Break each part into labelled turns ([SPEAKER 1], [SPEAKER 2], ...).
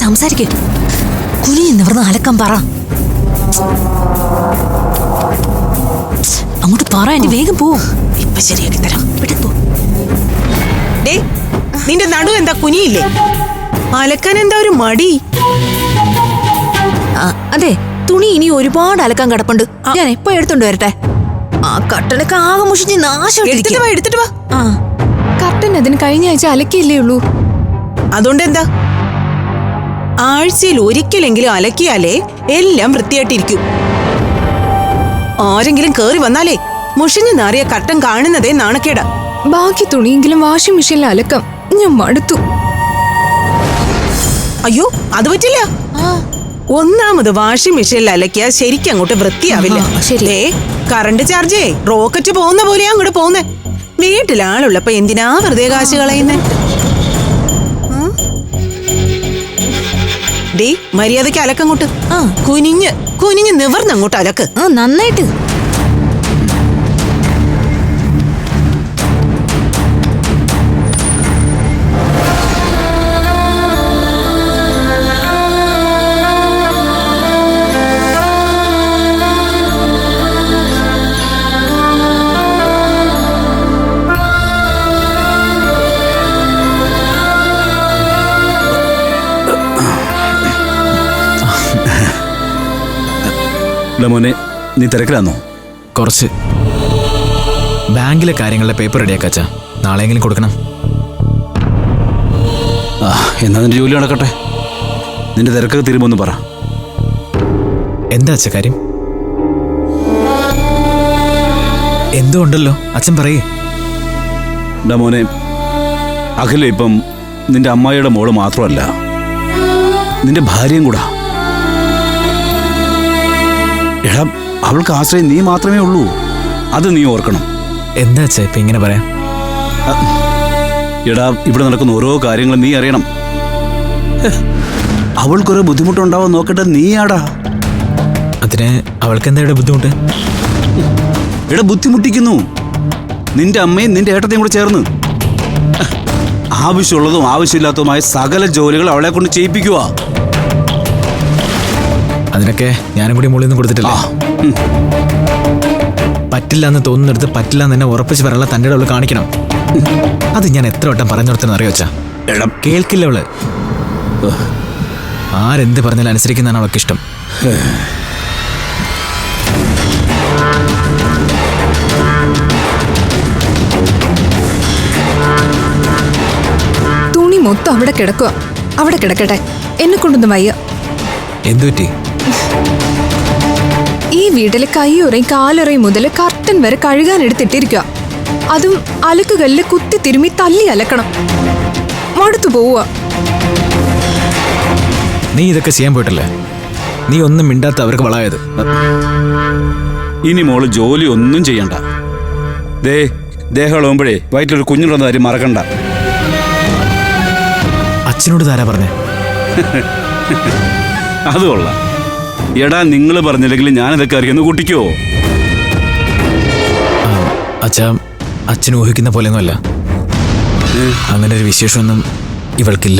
[SPEAKER 1] സംസാരിക്കേ. കുനിന്ന് ഇവിടുന്ന് അലക്കാൻ പറ. അങ്ങോട്ട് പറ, എന്റെ വേഗം പോ. ഇപ്പൊ ശരിയാക്കി തരാം. വിട്ടു.
[SPEAKER 2] നിന്റെ നടു എന്താ കുനിയില്ലേ? അലക്കാൻ എന്താ ഒരു മടി?
[SPEAKER 1] അതെ, തുണി ഇനി ഒരുപാട് അലക്കാൻ കിടപ്പുണ്ട്. ഞാൻ എപ്പോ എടുത്തോണ്ട് വരട്ടെ? ആ കട്ടനൊക്കെ ആകെ മുഷിഞ്ഞ് നാശം.
[SPEAKER 2] എടുത്തിട്ട് വാ.
[SPEAKER 3] കർട്ടൻ അതിന് കഴിഞ്ഞ ആഴ്ച അലക്കിയില്ലേ ഉള്ളൂ.
[SPEAKER 2] അതുകൊണ്ട് എന്താ? ആഴ്ചയിൽ ഒരിക്കലെങ്കിലും അലക്കിയാലേ എല്ലാം വൃത്തിയായിട്ടിരിക്കും. ആരെങ്കിലും കേറി വന്നാലേ മുഷിഞ്ഞു നാറിയ കട്ടൻ കാണുന്നതേ നാണക്കേടാ.
[SPEAKER 3] ബാക്കി തുണിയെങ്കിലും വാഷിംഗ് മെഷീനിൽ അലക്കാം. ഞാൻ മടുത്തു.
[SPEAKER 2] അയ്യോ, അത് പറ്റില്ല. ഒന്നാമത് വാഷിംഗ് മെഷീനിൽ അലക്കിയാൽ ശരിക്കും അങ്ങോട്ട് വൃത്തിയാവില്ല. കറണ്ട് ചാർജേ റോക്കറ്റ് പോകുന്ന പോലെയാ അങ്ങോട്ട് പോകുന്നേ. വീട്ടിലാളുള്ളപ്പോ എന്തിനാ വെറുതെ കാശ് കളയുന്നേ? മര്യാദക്ക് അലക്കങ്ങോട്ട്. കുനിഞ്ഞ് നിവർന്നങ്ങോട്ട് അലക്ക്.
[SPEAKER 1] നന്നായിട്ട്.
[SPEAKER 4] മോനെ, നീ തിരക്കിലാന്നോ?
[SPEAKER 5] കുറച്ച് ബാങ്കിലെ കാര്യങ്ങളുടെ പേപ്പർ റെഡിയാക്കാച്ചാ. നാളെയെങ്കിലും കൊടുക്കണം.
[SPEAKER 4] എന്നാ നിന്റെ ജോലി നടക്കട്ടെ. നിന്റെ തിരക്കൊക്കെ തീരുമോന്ന് പറ.
[SPEAKER 5] എന്താ അച്ഛ കാര്യം? എന്തോ ഉണ്ടല്ലോ, അച്ഛൻ പറയേ.
[SPEAKER 4] മോനെ, അഖില ഇപ്പം നിന്റെ അമ്മായിയുടെ മോള് മാത്രമല്ല, നിന്റെ ഭാര്യയും കൂടാ. എടാ, അവൾക്ക് ആശ്രയം നീ മാത്രമേ ഉള്ളൂ. അത് നീ ഓർക്കണം.
[SPEAKER 5] എന്താ അച്ഛാ ഇപ്പൊ ഇങ്ങനെ പറയാം?
[SPEAKER 4] എടാ, ഇവിടെ നടക്കുന്ന ഓരോ കാര്യങ്ങളും നീ അറിയണം. അവൾക്കൊരു ബുദ്ധിമുട്ടുണ്ടാവാൻ നോക്കട്ടെ നീയാടാ.
[SPEAKER 5] അതിന് അവൾക്ക് എന്താ ബുദ്ധിമുട്ട്?
[SPEAKER 4] എടാ, ബുദ്ധിമുട്ടിക്കുന്നു നിന്റെ അമ്മയും നിന്റെ ഏട്ടത്തെയും കൂടെ ചേർന്ന്. ആവശ്യമുള്ളതും ആവശ്യമില്ലാത്തതുമായ സകല ജോലികൾ അവളെ കൊണ്ട് ചെയ്യിപ്പിക്കുക.
[SPEAKER 5] അതിനൊക്കെ ഞാനും കൂടി മുകളിൽ നിന്ന് കൊടുത്തിട്ടില്ല. പറ്റില്ല എന്ന് തോന്നുന്നിടത്ത് പറ്റില്ല എന്ന് തന്നെ ഉറപ്പിച്ച് പറയാനുള്ള തൻ്റെ അവള് കാണിക്കണം. അത് ഞാൻ എത്ര വട്ടം പറഞ്ഞു കൊടുത്തെന്ന് അറിയോ അച്ഛാ? കേൾക്കില്ല അവള്. ആരെന്ത് പറഞ്ഞാലും അനുസരിക്കുന്നതാണ് അവൾക്ക് ഇഷ്ടം.
[SPEAKER 3] തുണി മൊത്തം അവിടെ കിടക്കുക. അവിടെ കിടക്കട്ടെ, എന്നെ കൊണ്ടൊന്നും വയ്യ.
[SPEAKER 5] എന്തുപറ്റി?
[SPEAKER 3] ഈ വീട്ടിലെ കൈയുറയും കാലുറയും മുതൽ കർട്ടൻ വരെ കഴുകാൻ എടുത്തിട്ടിരിക്കുക. അതും അലക്കുകല്ല് കുത്തി തിരുമ്മി തല്ലി അലക്കണം. മടുത്തു പോവുക.
[SPEAKER 5] നീ ഇതൊക്കെ ചെയ്യാൻ പോയിട്ടല്ലേ? നീ ഒന്നും മിണ്ടാത്ത അവർക്ക് വളായത്.
[SPEAKER 4] ഇനി മോള് ജോലി ഒന്നും ചെയ്യണ്ട. ദേഹമുമ്പോഴേ വയറ്റിലൊരു കുഞ്ഞുണ്ടെന്ന കാര്യം മറക്കണ്ട.
[SPEAKER 5] അച്ഛനോട് താരാ പറഞ്ഞേ?
[SPEAKER 4] അത് കൊള്ളാം. എടാ, നിങ്ങൾ പറഞ്ഞില്ലെങ്കിൽ ഞാനിതൊക്കെ അറിയുന്നു കൂട്ടിക്കോ.
[SPEAKER 5] അച്ഛാ, അച്ഛൻ ഊഹിക്കുന്ന പോലെയൊന്നുമല്ല. അങ്ങനെ ഒരു വിശേഷമൊന്നും ഇവൾക്കില്ല.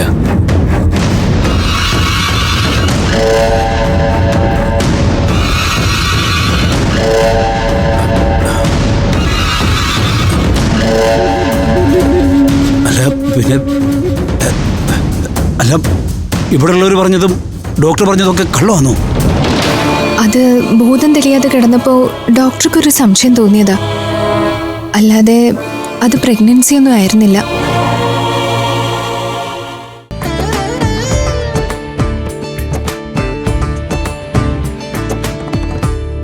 [SPEAKER 4] അല്ല, ഇവിടെയുള്ളവർ പറഞ്ഞതും ഡോക്ടർ പറഞ്ഞതൊക്കെ കള്ളമാണോ?
[SPEAKER 3] അത് ബോധം തെളിയാതെ കിടന്നപ്പോ ഡോക്ടർക്കൊരു സംശയം തോന്നിയതാ. അല്ലാതെ അത് പ്രഗ്നൻസി ഒന്നും ആയിരുന്നില്ല.